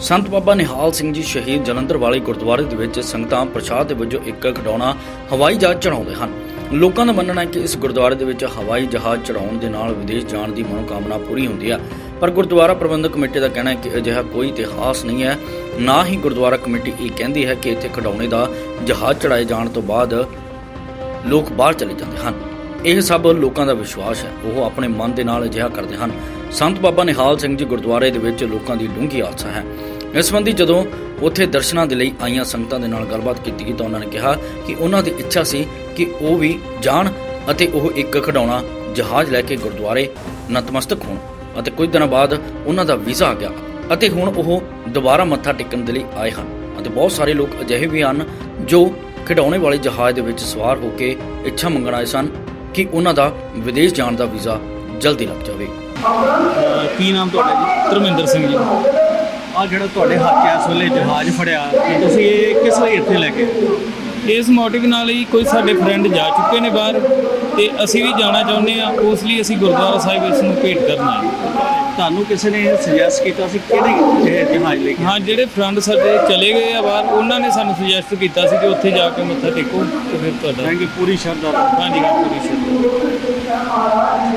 ਸੰਤ ਬਾਬਾ ਨਿਹਾਲ ਸਿੰਘ ਜੀ ਸ਼ਹੀਦ ਜਲੰਧਰ ਵਾਲੇ ਗੁਰਦੁਆਰੇ ਦੇ ਵਿੱਚ ਸੰਗਤਾਂ ਪ੍ਰਸ਼ਾਦ ਦੇ ਵਜੋਂ ਇੱਕ ਖਿਡੌਣਾ ਹਵਾਈ ਜਹਾਜ਼ ਚੜਾਉਂਦੇ ਹਨ। ਲੋਕਾਂ ਦਾ ਮੰਨਣਾ ਹੈ ਕਿ ਇਸ ਗੁਰਦੁਆਰੇ ਦੇ ਵਿੱਚ ਹਵਾਈ ਜਹਾਜ਼ ਚੜਾਉਣ ਦੇ ਨਾਲ ਵਿਦੇਸ਼ ਜਾਣ ਦੀ ਮਨੋਕਾਮਨਾ ਪੂਰੀ ਹੁੰਦੀ ਹੈ। ਪਰ ਗੁਰਦੁਆਰਾ ਪ੍ਰਬੰਧਕ ਕਮੇਟੀ ਦਾ ਕਹਿਣਾ ਹੈ ਕਿ ਅਜਿਹਾ ਕੋਈ ਇਤਿਹਾਸ ਨਹੀਂ ਹੈ। ਨਾ ਹੀ ਗੁਰਦੁਆਰਾ ਕਮੇਟੀ ਇਹ ਕਹਿੰਦੀ ਹੈ ਕਿ ਇੱਥੇ ਖਿਡੌਣੇ ਦਾ ਜਹਾਜ਼ ਚੜਾਏ ਜਾਣ ਤੋਂ ਬਾਅਦ ਲੋਕ ਬਾਹਰ ਚਲੇ ਜਾਂਦੇ ਹਨ। ਇਹ ਸਭ ਲੋਕਾਂ ਦਾ ਵਿਸ਼ਵਾਸ ਹੈ, ਉਹ ਆਪਣੇ ਮਨ ਦੇ ਨਾਲ ਅਜਿਹਾ ਕਰਦੇ ਹਨ। ਸੰਤ ਬਾਬਾ ਨਿਹਾਲ ਸਿੰਘ ਜੀ ਗੁਰਦੁਆਰੇ ਦੇ ਵਿੱਚ ਲੋਕਾਂ ਦੀ ਡੂੰਘੀ ਆਸਾ ਹੈ। ਇਸ ਸੰਬੰਧੀ ਜਦੋਂ ਉੱਥੇ ਦਰਸ਼ਨਾਂ ਦੇ ਲਈ ਆਈਆਂ ਸੰਗਤਾਂ ਦੇ ਨਾਲ ਗੱਲਬਾਤ ਕੀਤੀ ਗਈ ਤਾਂ ਉਹਨਾਂ ਨੇ ਕਿਹਾ ਕਿ ਉਹਨਾਂ ਦੀ ਇੱਛਾ ਸੀ ਕਿ ਉਹ ਵੀ ਜਾਣ ਅਤੇ ਉਹ ਇੱਕ ਖਿਡੌਣਾ ਜਹਾਜ਼ ਲੈ ਕੇ ਗੁਰਦੁਆਰੇ ਨਤਮਸਤਕ ਹੋਣ ਅਤੇ ਕੁਝ ਦਿਨਾਂ ਬਾਅਦ ਉਹਨਾਂ ਦਾ ਵੀਜ਼ਾ ਆ ਗਿਆ ਅਤੇ ਹੁਣ ਉਹ ਦੁਬਾਰਾ ਮੱਥਾ ਟੇਕਣ ਦੇ ਲਈ ਆਏ ਹਨ। ਅਤੇ ਬਹੁਤ ਸਾਰੇ ਲੋਕ ਅਜਿਹੇ ਵੀ ਹਨ ਜੋ ਖਿਡੌਣੇ ਵਾਲੇ ਜਹਾਜ਼ ਦੇ ਵਿੱਚ ਸਵਾਰ ਹੋ ਕੇ ਇੱਛਾ ਮੰਗਣ ਆਏ ਸਨ ਕਿ ਉਹਨਾਂ ਦਾ ਵਿਦੇਸ਼ ਜਾਣ ਦਾ ਵੀਜ਼ਾ ਜਲਦੀ ਲੱਗ ਜਾਵੇ। ਕੀ ਨਾਮ ਤੁਹਾਡਾ ਜੀ? ਧਰਮਿੰਦਰ ਸਿੰਘ ਜੀ। ਆ ਜਿਹੜਾ ਤੁਹਾਡੇ ਹੱਥ 'ਚ ਇਸ ਵੇਲੇ ਜਹਾਜ਼ ਫੜਿਆ, ਤੁਸੀਂ ਇਹ ਕਿਸ ਲਈ ਇੱਥੇ ਲੈ ਕੇ ਆਏ? ਇਸ ਮੋਟਿਵ ਨਾਲ ਹੀ ਕੋਈ ਸਾਡੇ ਫਰੈਂਡ ਜਾ ਚੁੱਕੇ ਨੇ ਬਾਹਰ ਤੇ ਅਸੀਂ ਵੀ ਜਾਣਾ ਚਾਹੁੰਦੇ ਆ, ਉਸ ਲਈ ਅਸੀਂ ਗੁਰਦੁਆਰਾ ਸਾਹਿਬ ਇਸ ਨੂੰ ਭੇਟ ਕਰਨਾ ਹੈ। ਤੁਹਾਨੂੰ ਕਿਸੇ ਨੇ ਸੁਜੈਸਟ ਕੀਤਾ ਸੀ ਕਿਹੜੇ ਜਹਾਜ਼ ਲੈ ਕੇ? ਹਾਂ, ਜਿਹੜੇ ਫਰੈਂਡ ਸਾਡੇ ਚਲੇ ਗਏ ਆ ਬਾਹਰ, ਉਹਨਾਂ ਨੇ ਸਾਨੂੰ ਸੁਜੈਸਟ ਕੀਤਾ ਸੀ ਕਿ ਉੱਥੇ ਜਾ ਕੇ ਮੱਥਾ ਟੇਕੋ ਤੇ ਫਿਰ ਤੁਹਾਡਾ ਕਿ ਪੂਰੀ ਸ਼ਰਧਾ। ਹਾਂਜੀ ਹਾਂ, ਪੂਰੀ ਸ਼ਰਧਾ।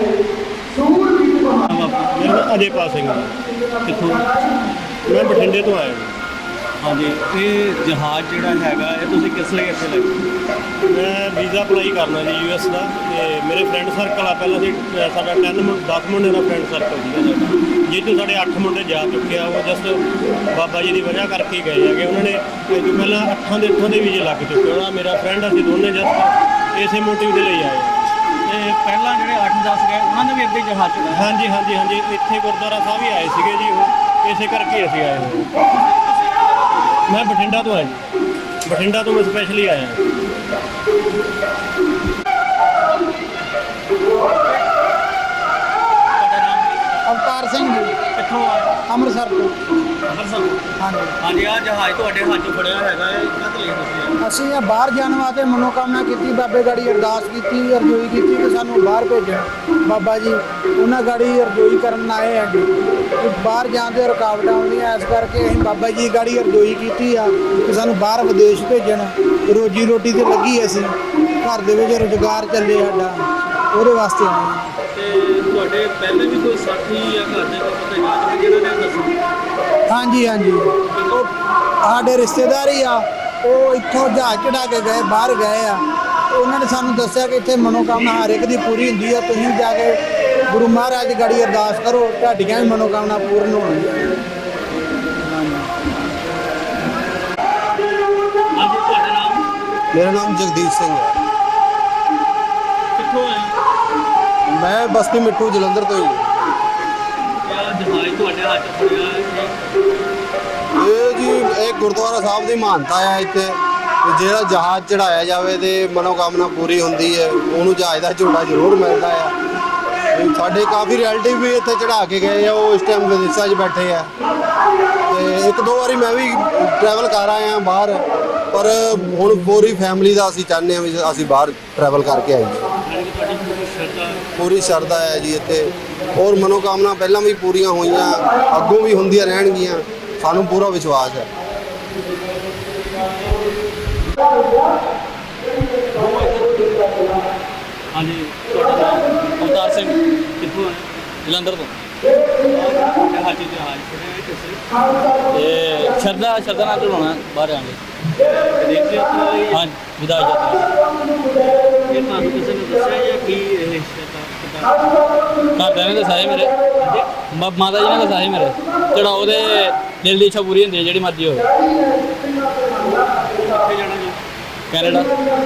ਮੇਰਾ ਨਾਮ ਅਜੇਪਾਲ ਸਿੰਘ ਹੈ। ਕਿੱਥੋਂ? ਮੈਂ ਬਠਿੰਡੇ ਤੋਂ ਆਇਆ ਜੀ। ਹਾਂਜੀ, ਇਹ ਜਹਾਜ਼ ਜਿਹੜਾ ਹੈਗਾ ਇਹ ਤੁਸੀਂ ਕਿਸ ਲਈ ਇੱਥੇ ਲੈ ਕੇ? ਮੈਂ ਵੀਜ਼ਾ ਅਪਲਾਈ ਕਰਨਾ ਜੀ US ਦਾ, ਤੇ ਮੇਰੇ ਫਰੈਂਡ ਸਰਕਲ ਆ। ਪਹਿਲਾਂ ਸਾਡਾ 10 ਮੁੰਡੇ ਦਾ ਫਰੈਂਡ ਸਰਕਲ ਸੀਗਾ ਸਾਡਾ, ਜਿਸ ਤੋਂ ਸਾਡੇ 8 ਮੁੰਡੇ ਜਾ ਚੁੱਕੇ ਆ। ਉਹ ਜਸਟ ਬਾਬਾ ਜੀ ਦੀ ਵਜ੍ਹਾ ਕਰਕੇ ਗਏ ਹੈਗੇ। ਉਹਨਾਂ ਨੇ ਪਹਿਲਾਂ 8 ਦੇ ਵੀਜ਼ੇ ਲੱਗ ਚੁੱਕੇ। ਉਹਨਾਂ ਮੇਰਾ ਫਰੈਂਡ ਅਸੀਂ ਦੋਨੇ ਜਸਟ ਇਸੇ ਮੋਟਿਵ ਦੇ ਲਈ ਆਏ। ਤੇ ਪਹਿਲਾਂ ਜਿਹੜੇ 8-10 ਗਏ ਉਹਨਾਂ ਨੇ ਵੀ ਅੱਗੇ ਜਹਾਜ਼ ਚੜਾਇਆ? ਹਾਂਜੀ, ਇੱਥੇ ਗੁਰਦੁਆਰਾ ਸਾਹਿਬ ਹੀ ਆਏ ਸੀਗੇ ਜੀ। ਉਹ ਇਸੇ ਕਰਕੇ ਅਸੀਂ ਆਏ ਹੋਏ। ਮੈਂ ਬਠਿੰਡਾ ਤੋਂ ਆਇਆ ਜੀ। ਬਠਿੰਡਾ ਤੋਂ ਮੈਂ ਸਪੈਸ਼ਲੀ ਆਇਆ। ਤੁਹਾਡਾ ਨਾਮ? ਅਵਤਾਰ ਸਿੰਘ ਜੀ, ਕਿੱਥੋਂ ਆਏ? ਅੰਮ੍ਰਿਤਸਰ ਤੋਂ। ਅੰਮ੍ਰਿਤਸਰ। ਹਾਂਜੀ, ਹਾਂਜੀ, ਆ ਜਹਾਜ਼ ਤੁਹਾਡੇ ਹੱਥ 'ਚ ਫੜਿਆ ਹੈਗਾ, ਇਹ ਕਦ ਲਈ ਤੁਸੀਂ? ਅਸੀਂ ਇਹ ਬਾਹਰ ਜਾਣ ਵਾਸਤੇ ਮਨੋਕਾਮਨਾ ਕੀਤੀ, ਬਾਬੇ ਗਾੜੀ ਅਰਦਾਸ ਕੀਤੀ, ਅਰਜ਼ੋਈ ਕੀਤੀ ਕਿ ਸਾਨੂੰ ਬਾਹਰ ਭੇਜਣ। ਬਾਬਾ ਜੀ ਉਹਨਾਂ ਗਾੜੀ ਅਰਜ਼ੋਈ ਕਰਨ ਆਏ ਆ ਕਿ ਬਾਹਰ ਜਾਣ ਦੇ ਰੁਕਾਵਟਾਂ ਆਉਂਦੀਆਂ, ਇਸ ਕਰਕੇ ਅਸੀਂ ਬਾਬਾ ਜੀ ਗਾੜੀ ਅਰਜ਼ੋਈ ਕੀਤੀ ਆ ਕਿ ਸਾਨੂੰ ਬਾਹਰ ਵਿਦੇਸ਼ ਭੇਜਣ। ਰੋਜੀ ਰੋਟੀ ਤੇ ਲੱਗੀ, ਅਸੀਂ ਘਰ ਦੇ ਵਿੱਚ ਰੁਜ਼ਗਾਰ ਚੱਲੇ ਸਾਡਾ, ਉਹਦੇ ਵਾਸਤੇ ਆਏ। ਤੇ ਤੁਹਾਡੇ ਪਹਿਲੇ ਵੀ ਕੋਈ ਸਾਥੀ ਜਾਂ ਘਰ ਦੇ ਕੋਈ ਪਤਾ ਜਿਹਨਾਂ ਨੇ ਦੱਸਿਆ? ਹਾਂਜੀ, ਉਹ ਸਾਡੇ ਰਿਸ਼ਤੇਦਾਰ ਹੀ ਆ। ਉਹ ਇੱਥੋਂ ਜਹਾਜ਼ ਚੜਾ ਕੇ ਗਏ, ਬਾਹਰ ਗਏ ਆ। ਉਹਨਾਂ ਨੇ ਸਾਨੂੰ ਦੱਸਿਆ ਕਿ ਇੱਥੇ ਮਨੋਕਾਮਨਾ ਹਰ ਇੱਕ ਦੀ ਪੂਰੀ ਹੁੰਦੀ ਆ। ਤੁਸੀਂ ਜਾ ਕੇ ਗੁਰੂ ਮਹਾਰਾਜ ਦੀ ਗਾੜੀ ਅਰਦਾਸ ਕਰੋ, ਤੁਹਾਡੀਆਂ ਵੀ ਮਨੋਕਾਮਨਾ ਪੂਰਨ ਹੋਣਗੀਆਂ। ਹਾਂਜੀ, ਤੁਹਾਡਾ ਨਾਮ? ਮੇਰਾ ਨਾਮ ਜਗਦੀਪ ਸਿੰਘ ਹੈ। ਕਿੱਥੋਂ ਆਏ? ਮੈਂ ਬਸਤੀ ਮਿੱਠੂ ਜਲੰਧਰ ਤੋਂ ਹੀ ਹਾਂ। ਇਹ ਜਹਾਜ਼ ਤੁਹਾਡੇ ਹੱਥ 'ਚ ਫੜਿਆ ਇਹ ਜੀ ਇਹ ਗੁਰਦੁਆਰਾ ਸਾਹਿਬ ਦੀ ਮਾਨਤਾ ਹੈ ਇੱਥੇ ਕਿ ਜਿਹੜਾ ਜਹਾਜ਼ ਚੜਾਇਆ ਜਾਵੇ ਤੇ ਮਨੋਕਾਮਨਾ ਪੂਰੀ ਹੁੰਦੀ ਹੈ। ਉਹਨੂੰ ਜਹਾਜ਼ ਦਾ ਝੋਲਾ ਜ਼ਰੂਰ ਮਿਲਦਾ ਆ। ਤੇ ਸਾਡੇ ਕਾਫੀ ਰਿਲੇਟਿਵ ਵੀ ਇੱਥੇ ਚੜਾ ਕੇ ਗਏ ਆ, ਉਹ ਇਸ ਟਾਈਮ ਵਿਦੇਸ਼ਾਂ 'ਚ ਬੈਠੇ ਆ। ਤੇ 1-2 ਵਾਰੀ ਮੈਂ ਵੀ ਟਰੈਵਲ ਕਰ ਆਇਆ ਬਾਹਰ, ਪਰ ਹੁਣ ਪੂਰੀ ਫੈਮਿਲੀ ਦਾ ਅਸੀਂ ਚਾਹੁੰਦੇ ਹਾਂ ਵੀ ਅਸੀਂ ਬਾਹਰ ਟਰੈਵਲ ਕਰਕੇ ਆਈਏ। ਪੂਰੀ ਸ਼ਰਧਾ ਹੈ ਜੀ ਇੱਥੇ, ਔਰ ਮਨੋਕਾਮਨਾ ਪਹਿਲਾਂ ਵੀ ਪੂਰੀਆਂ ਹੋਈਆਂ, ਅੱਗੋਂ ਵੀ ਹੁੰਦੀਆਂ ਰਹਿਣਗੀਆਂ, ਸਾਨੂੰ ਪੂਰਾ ਵਿਸ਼ਵਾਸ ਹੈ। ਹਾਂਜੀ, ਤੁਹਾਡਾ ਨਾਮ? ਅਵਤਾਰ ਸਿੰਘ, ਕਿੱਥੋਂ ਆਏ? ਜਲੰਧਰ ਤੋਂ। ਤੁਹਾਡੇ ਹੱਥ 'ਚ ਜਹਾਜ਼ ਫੜਿਆ ਕਿਸੇ? ਇਹ ਸ਼ਰਧਾ ਨਾਲ ਚੜਾਉਣਾ ਬਾਹਰ ਆਂਗੇ। ਵਿਦੇਸ਼ ਯਾਤਰਾ ਲਈ? ਹਾਂ, ਵਿਦਾਈ ਜਾਂਦਾ। ਇਹ ਤੁਹਾਨੂੰ ਕਿਸੇ ਨੇ ਦੱਸਿਆ ਜਾਂ ਕੀ ਇਹ ਪਤਾ? ਘਰਦਿਆਂ ਨੇ ਦੱਸਿਆ ਸੀ ਮੇਰੇ, ਮਾਤਾ ਜੀ ਨੇ ਦੱਸਿਆ ਸੀ ਮੇਰੇ। ਚੜਾਓ ਦੇ ਦਿਲ ਦੀ ਇੱਛਾ ਪੂਰੀ ਹੁੰਦੀ ਹੈ, ਜਿਹੜੀ ਮਰਜ਼ੀ ਹੋਵੇ। ਕਿੱਥੇ ਜਾਣਾ ਜੀ? ਕੈਨੇਡਾ।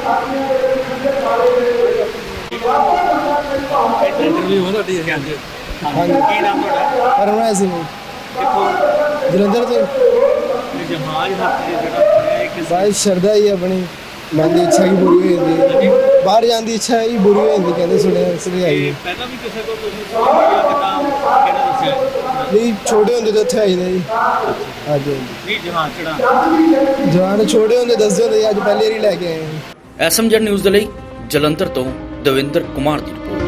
ਇੰਟਰਵਿਊ ਹੋ ਤੁਹਾਡੀ? ਹਾਂਜੀ। ਹਾਂਜੀ। ਕੀ ਨਾਮ ਤੁਹਾਡਾ? ਪਰਮਾ ਸਿੰਘ ਕਿੱਥੋਂ? ਜਲੰਧਰ ਤੋਂ। ਇਹ ਜਹਾਜ਼ ਹੱਥ 'ਚ ਜਿਹੜਾ ਫੜਿਆ ਇਹ ਕਿਸ? ਬਾਈ ਸ਼ਰਧਾ ਹੀ ਆਪਣੀ ਮਨ ਦੀ ਇੱਛਾ ਹੀ ਪੂਰੀ ਹੋ ਜਾਂਦੀ ਹੈ। ਬਾਹਰ ਜਾਣ ਦੀ ਇੱਛਾ ਹੀ ਪੂਰੀ ਹੋ ਜਾਂਦੀ, ਕਹਿੰਦੇ ਸੁਣਿਆ ਇਸ ਲਈ ਆਈ। ਪਹਿਲਾਂ ਵੀ ਕਿਸੇ ਕੋਲ ਤੁਸੀਂ ਸੁਣਿਆ ਕਿਦਾਂ ਕਿਹੜਾ ਦੱਸਿਆ? ਨਹੀਂ, ਛੋਟੇ ਹੁੰਦੇ ਤਾਂ ਉੱਥੇ ਆਈਦਾ ਜੀ। ਹਾਂਜੀ, ਨਹੀਂ, ਜਹਾਜ਼ ਚੜਾ ਜਵਾਨ ਛੋਟੇ ਹੁੰਦੇ ਦੱਸਦੇ ਹੁੰਦੇ, ਅੱਜ ਪਹਿਲੀ ਵਾਰੀ ਲੈ ਕੇ ਆਏ ਹਾਂ। SMZ ਨਿਊਜ਼ ਦੇ ਲਈ ਜਲੰਧਰ ਤੋਂ ਦਵਿੰਦਰ ਕੁਮਾਰ ਦੀ ਰਿਪੋਰਟ।